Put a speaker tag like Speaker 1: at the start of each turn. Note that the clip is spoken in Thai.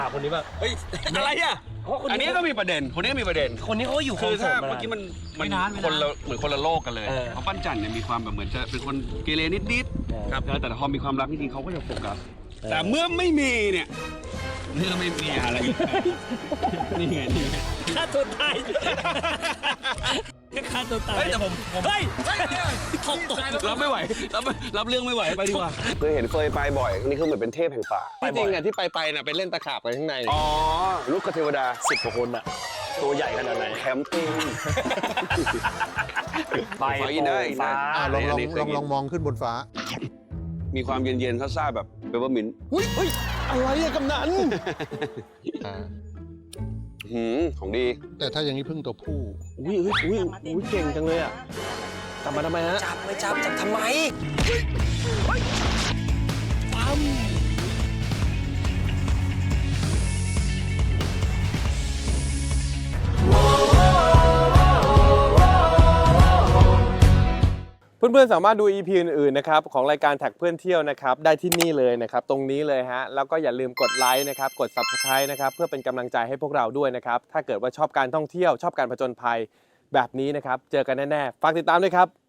Speaker 1: คนนี้แบบ
Speaker 2: เฮ้ยอะไรอ่ะอันนี้ก็มีประเด็นคนนี้ก็มีประเด็น
Speaker 1: คนนี้เขาอยู่
Speaker 2: คือถ้า
Speaker 1: เมื่
Speaker 2: เมื่อกี้มันคนละเหมือนคนละโลกกันเลยเพราะปั้นจันเนี่ยมีความแบบเหมือนจะเป็นคนเกเรนิดๆครับแต่พอมีความรักจริงๆเขาก็จะโฟกัสแต่เมื่อไม่มีเนี่ยเมื่อไม่มีอะไรนี่ไง
Speaker 1: ฆ่าตัวตายฆ่าตัวตาย
Speaker 2: แต่ผม
Speaker 1: เฮ้ยตก
Speaker 2: รับไม่ไหวรับเรื่องไม่ไหวไปดีกว่าเคยเห็นเฟยไปบ่อยนี่คือเหมือนเป็นเทพแห่งป่าจริงๆอ่ะที่ไปน่ะไปเล่นตะขาบกันข้างในอ๋อลูกกระเทวดา
Speaker 1: 10 กว่าคนอะตัวใหญ่ขนาดไหน
Speaker 2: แคมปิ้ง
Speaker 1: ไปฟ้า
Speaker 3: ลองมองขึ้นบนฟ้า
Speaker 2: มีความเย็นๆซ่าๆแบบเปเปอร์มินต์
Speaker 3: เฮ้ยอะไรอะกำนัน
Speaker 2: ของดี
Speaker 3: แต่ถ้าอย่างนี้พึ่งตัวผู้
Speaker 1: อุ้ยเก่งจังเลยอะกลับมาทำไมฮะจับทำไมปั๊ม
Speaker 4: เพื่อนๆสามารถดู EP อื่นๆนะครับของรายการแท็กเพื่อนเที่ยวนะครับได้ที่นี่เลยนะครับตรงนี้เลยฮะแล้วก็อย่าลืมกดไลค์นะครับกด Subscribe นะครับเพื่อเป็นกำลังใจให้พวกเราด้วยนะครับถ้าเกิดว่าชอบการท่องเที่ยวชอบการผจญภัยแบบนี้นะครับเจอกันแน่ๆฝากติดตามด้วยครับ